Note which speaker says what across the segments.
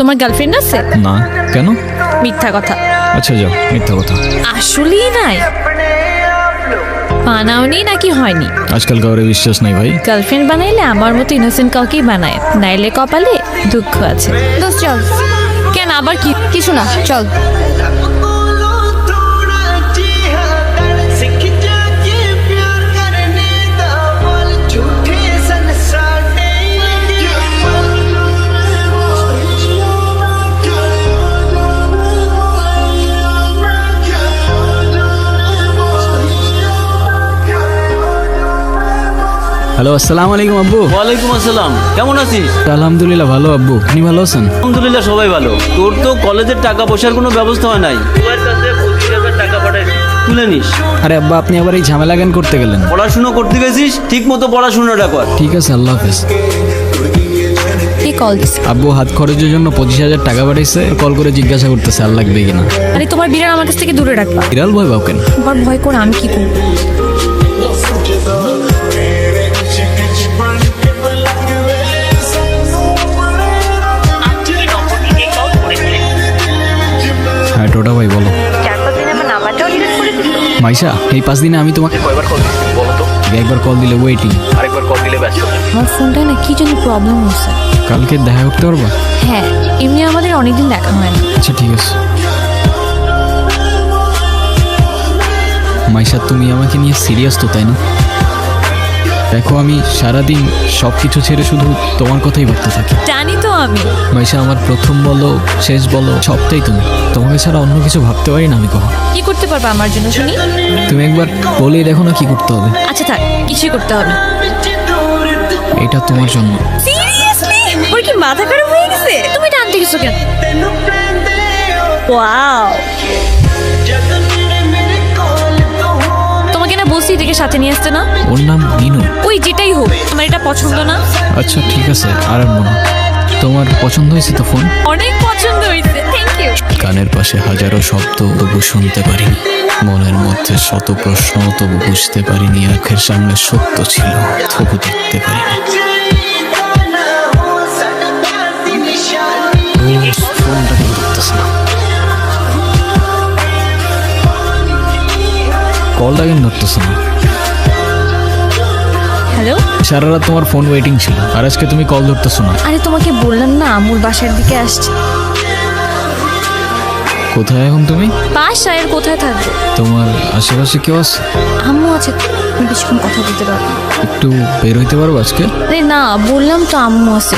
Speaker 1: তোমার গার্লফ্রেন্ড আছে?
Speaker 2: না। কেন?
Speaker 1: মিথ্যা কথা।
Speaker 2: আচ্ছা যাও, মিথ্যা কথা।
Speaker 1: আসলেই নাই? বানাওনি নাকি হয়নি?
Speaker 2: আজকাল কাউরে বিশ্বাস নাই ভাই।
Speaker 1: গার্লফ্রেন্ড বানাইলে আমার মতো ইনোসেন্ট কাউকেই বানায়, নাইলে কপালে দুঃখ আছে।
Speaker 3: দোস্ত চল।
Speaker 1: কেন আবার কি?
Speaker 3: কিছু না, চল।
Speaker 2: হ্যালো, আসসালামু আলাইকুম আব্বু।
Speaker 4: ওয়ালাইকুম আসসালাম, কেমন আছিস?
Speaker 2: আলহামদুলিল্লাহ ভালো আব্বু, আপনি ভালো আছেন?
Speaker 4: আলহামদুলিল্লাহ সবাই ভালো। তোর তো কলেজের টাকা পয়সার কোনো ব্যবস্থা হয় নাই, তোর কাছে 25,000 টাকা পাঠাইছি, তুলে নিস।
Speaker 2: আরে আব্বা, আপনি আবার এই ঝামেলা কেন করতে গেলেন?
Speaker 4: পড়াশুনো করতে গেছিস, ঠিক মতো পড়াশুনোটা কর।
Speaker 2: ঠিক আছে, আল্লাহ হাফেজ।
Speaker 1: কি কল দিস?
Speaker 2: আব্বু হাত খরচের জন্য 25,000 টাকা পাঠাইছে, কল করে জিজ্ঞাসা করতেছে আর লাগবে কিনা।
Speaker 1: আরে তোমার বিড়াল আমার কাছ থেকে দূরে রাখবা।
Speaker 2: বিড়াল ভয় পাও কেন?
Speaker 1: তোমার ভয় করে আমি কি করবো?
Speaker 2: হ্যাঁ টোটা ভাই বলো। মাইশা, এই 5 দিনে আমি তোমাকে কয়বার কল দিছি বলো তো? একবার কল দিলে ওয়েটিং, আরেকবার কল দিলে ব্যস্ত।
Speaker 1: আমার ফোনটা না কি জন্য প্রবলেম হচ্ছে।
Speaker 2: কালকে দেখা করতে পারবা?
Speaker 1: হ্যাঁ, এমনি আমাদের অনেকদিন দেখা হয় না।
Speaker 2: আচ্ছা ঠিক আছে। মাইশা, তুমি আমাকে নিয়ে সিরিয়াস তো, তাই না? দেখো, আমি সারাদিন সব কিছু ছেড়ে শুধু তোমার কথাই ভাবতে থাকি।
Speaker 1: জানি তো আমি।
Speaker 2: মাইশা, আমার প্রথম বলো শেষ বলো সবটাই তুমি। তোমাকে ছাড়া অন্য কিছু ভাবতে পারি না আমি কখন।
Speaker 1: কি করতে পারবা আমার জন্য শুনি?
Speaker 2: তুমি একবার বলেই দেখো না কি করতে হবে।
Speaker 1: আচ্ছা থাক, কিছুই করতে হবে না।
Speaker 2: এটা তোমার জন্য।
Speaker 1: সিরিয়াসলি? ওর কি মাথা খারাপ হয়ে গেছে? তুমি টানতে গেছো কেন? ওয়াও, তোমাকে না বলছি এটাকে সাথে নিয়ে আসতে না।
Speaker 2: ওর নাম মিনু।
Speaker 1: ওই যেটাই হোক, আমার এটা পছন্দ না।
Speaker 2: আচ্ছা ঠিক আছে, আর আনবো না। তোমার পছন্দ হয়েছে তো ফোন?
Speaker 1: অনেক পছন্দ হয়েছে, থ্যাংক ইউ।
Speaker 2: কানের পাশে হাজারো শব্দ তবু শুনতে পারিনি, মনের মধ্যে শত প্রশ্ন তবু বুঝতে পারিনি, আখের সামনে সত্য ছিল তবু দেখতে পারিনি। ফোনটা কেন ধরতেছে না? কলটা কেন ধরতেছে না?
Speaker 1: হ্যালো।
Speaker 2: সারা রাত তোমার ফোন ওয়েটিং ছিল, আর আজকে তুমি কল ধরতেছো না।
Speaker 1: আরে তোমাকে বললাম না আমুর বাসার দিকে আসছে।
Speaker 2: কোথায় এখন তুমি?
Speaker 1: বাসায় আর কোথায় থাকবো?
Speaker 2: তোমার আশেপাশে কেউ আছে?
Speaker 1: আম্মু আছে তো, আমি বেশিক্ষণ কথা বলতে পারবো না।
Speaker 2: একটু বের হইতে পারবো আজকে?
Speaker 1: আরে না, বললাম তো আম্মু আছে।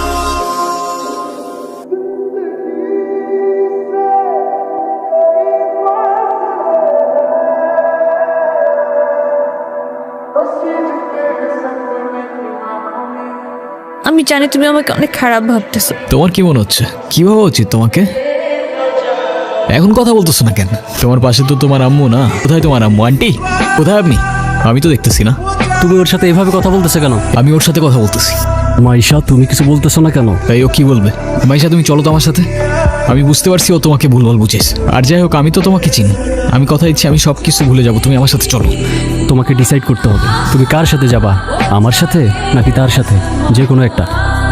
Speaker 1: আমি জানি তুমি আমাকে অনেক খারাপ ভাবতেছো।
Speaker 2: তোমার কি মনে হচ্ছে? কি ভাবা উচিত তোমাকে? এখন কথা বলতেছো না কেন? তোমার পাশে তো তোমার আম্মু না। কোথায় তোমার আম্মু? আন্টি কোথায় আপনি? আমি তো দেখতেছি না।
Speaker 5: তুমি ওর সাথে এভাবে কথা বলতেছো কেন?
Speaker 2: আমি ওর সাথে কথা বলতেছি।
Speaker 5: মাইশা, তুমি কিছু বলতেছো না কেন?
Speaker 2: তাই ও কি বলবে? মাইশা, তুমি চলো তো আমার সাথে। আমি বুঝতে পারছি ও তোমাকে ভুলভাল বুঝেছে। আর যাই হোক, আমি তো তোমাকে চিনি। আমি কথা দিচ্ছি আমি সব কিছু ভুলে যাবো, তুমি আমার সাথে চলো।
Speaker 5: তোমাকে ডিসাইড করতে হবে তুমি কার সাথে যাবা, আমার সাথে নাকি তার সাথে, যে কোনো একটা।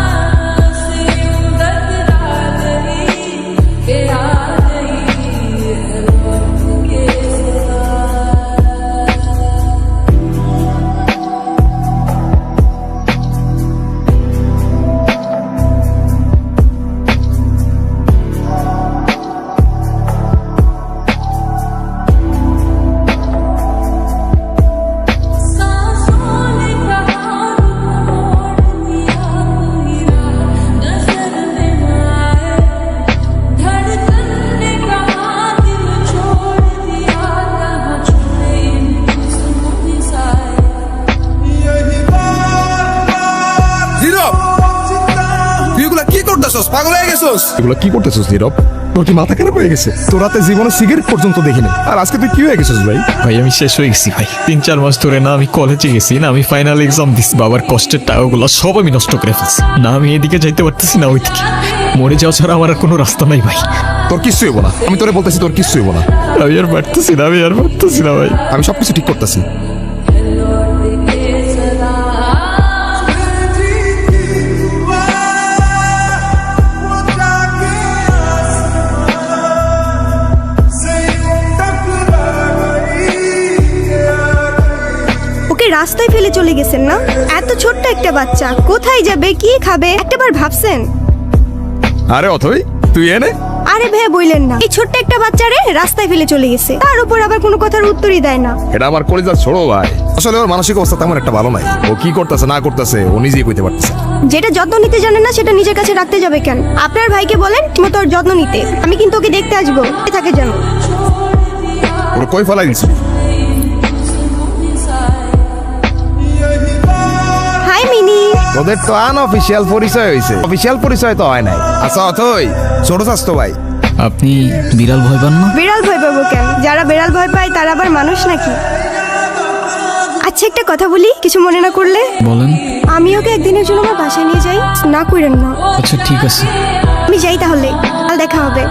Speaker 6: পাগল হয়ে গেছস?
Speaker 7: এগুলো কি করতেছিস নীরব? তোর কি মাথা খারাপ হয়ে গেছে? তোর রাতে জীবনে সিগারেট পর্যন্ত দেখিনি, আর আজকে তুই কি হয়ে গেছিস ভাই?
Speaker 2: ভাই আমি শেষ হয়ে গেছি ভাই। 3-4 মাস ধরে না আমি কলেজে গেছি, না আমি ফাইনাল এক্সাম দিচ্ছি, বাবার কষ্টের টাকাগুলো সব আমি নষ্ট করে ফেলছি। না আমি এদিকে যাইতে পারতেছি না ওইদিকে। মরে যাওয়া ছাড়া আমার আর কোনো রাস্তা নাই ভাই।
Speaker 7: তোর কিচ্ছু হইব না, আমি তোরে বলতেছি তোর কিচ্ছু হইব না।
Speaker 2: আমি আর পারতেছি না, আমি আর পারতেছি না ভাই।
Speaker 7: আমি সবকিছু ঠিক করতেছি।
Speaker 3: রাস্তায় ফেলে চলে গেছেন না? এত ছোট্ট একটা বাচ্চা কোথায় যাবে, কি খাবে, একটাবার ভাবছেন?
Speaker 7: আরে অথই তুই এনে
Speaker 3: আরে ভাই বললেন না, এই ছোট্ট একটা বাচ্চারে রাস্তায় ফেলে চলে গেছে, তার উপর আবার কোনো কথার উত্তরই দেয় না।
Speaker 7: এটা আমার কলেজার ছোড়ো ভাই। আসলে ওর মানসিক অবস্থা তেমন একটা ভালো নাই। ও কি করতেছে না করতেছে ও নিজেই কইতে পারতেছে না।
Speaker 3: যেটা যত্ন নিতে জানে না সেটা নিজের কাছে রাখতে যাবে কেন? আপনার ভাইকে বলেন মতো ওর যত্ন নিতে। আমি কিন্তু ওকে দেখতে আসবো, থাকে যেন।
Speaker 7: ওর কই ফেলাই দিছি?
Speaker 3: হাই মিনি।
Speaker 7: তোদের তো আনঅফিসিয়াল পরিচয় হইছে, অফিসিয়াল পরিচয় তো হয় নাই। আচ্ছা অথই ছোট স্বাস্থ্য ভাই।
Speaker 2: আপনি বিড়াল ভয় পান না?
Speaker 3: বিড়াল ভয় পাবো কেন? যারা বিড়াল ভয় পায় তারা আবার মানুষ নাকি? আচ্ছা একটা কথা বলি, কিছু মনে না করলে।
Speaker 2: বলেন।
Speaker 3: আমি ওকে একদিনের জন্য আমার বাসায় নিয়ে যাই, না করেন না।
Speaker 2: আচ্ছা ঠিক আছে।
Speaker 3: আমি যাই তাহলে, কাল দেখা হবে।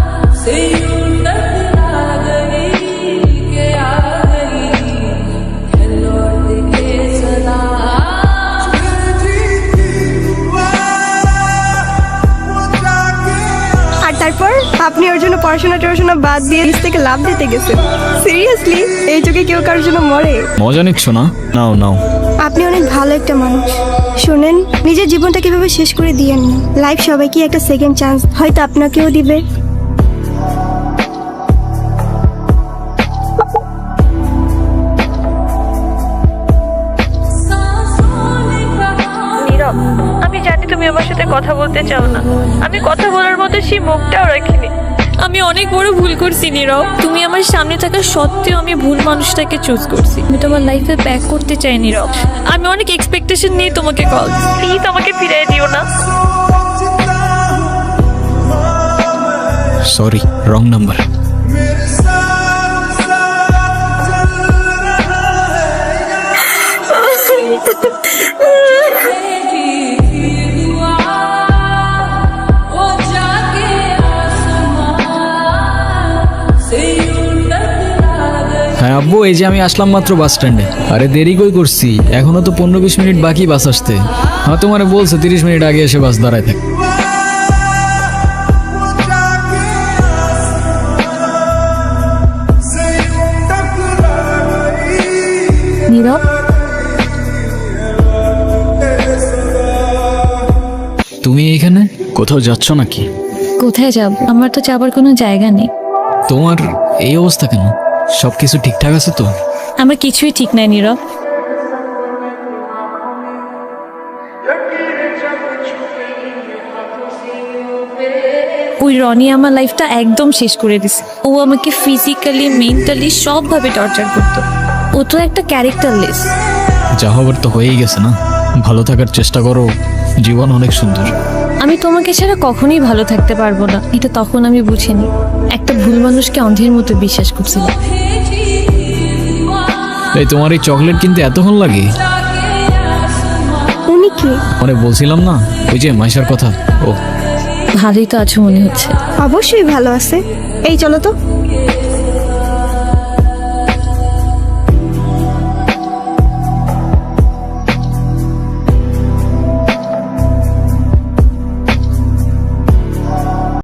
Speaker 3: আর তারপর আপনি ওর জন্য পড়াশোনা বাদ দিয়ে নিজ থেকে লাভ দিতে গেছেন। সিরিয়াসলি, এই যুগে কেউ কারোর জন্য মরে?
Speaker 2: মজা নিচ্ছ না? নাও নাও।
Speaker 3: আপনি অনেক ভালো একটা মানুষ। শোনেন, নিজের জীবনটা কিভাবে শেষ করে দিয়েন না। লাইফ সবাইকে একটা সেকেন্ড চান্স, হয়তো আপনাকেও দিবে।
Speaker 1: নীরব, আমি জানি তুমি আমার সাথে কথা বলতে চাও না। আমি কথা বলার মতো সেই মুখটাও রাখিনি। আমি অনেক বড় ভুল করছি নীরব। তুমি আমার সামনে থাকা সত্ত্বেও আমি ভুল মানুষটাকে চুজ করছি। আমি তোমার লাইফে ব্যাক করতে চাই নীরব। আমি অনেক এক্সপেকটেশন নিয়ে তোমাকে কল। প্লিজ আমাকে ফিরিয়ে দিও না।
Speaker 2: Sorry, wrong number.
Speaker 8: হ্যাঁ আব্বু, এই যে আমি আসলাম মাত্র বাস স্ট্যান্ডে। আরে দেরি কই করছি, এখনো তো 15-20 মিনিট বাকি বাস আসতে। হ্যাঁ তোমার বলছে 30 মিনিট আগে এসে বাস দাঁড়ায় থাকে।
Speaker 1: নীরব,
Speaker 8: তুমি এইখানে কোথাও যাচ্ছ নাকি?
Speaker 1: কোথায় যাব? আমার তো যাবার কোনো জায়গা নেই।
Speaker 8: তোমার এই অবস্থা কেন? সবকিছু ঠিকঠাক আছে তো?
Speaker 1: আমার কিছুই ঠিক নাই নীরব। ওই রনি আমার লাইফটা একদম শেষ করে দিছে। ও আমাকে ফিজিক্যালি, মেন্টালি সবভাবে টর্চার করতো। ও তো একটা ক্যারেক্টারলেস।
Speaker 8: যা হবার তো হয়েই গেছে না, ভালো থাকার চেষ্টা করো, জীবন অনেক সুন্দর।
Speaker 1: আমি তোমাকে ছাড়া কখনোই ভালো থাকতে পারবো না, এটা তখন আমি বুঝিনি। একটা ভুল মানুষকে অন্ধের মতো বিশ্বাস করছিলাম।
Speaker 8: এই তোমার এই চকলেট কিনতে এতক্ষণ লাগে?
Speaker 3: উনি কি?
Speaker 8: মানে বলছিলাম না ওই যে মাইশার কথা। ও
Speaker 1: ভালোই তো আছো মনে হচ্ছে।
Speaker 3: অবশ্যই ভালো আছে। এই চলো তো।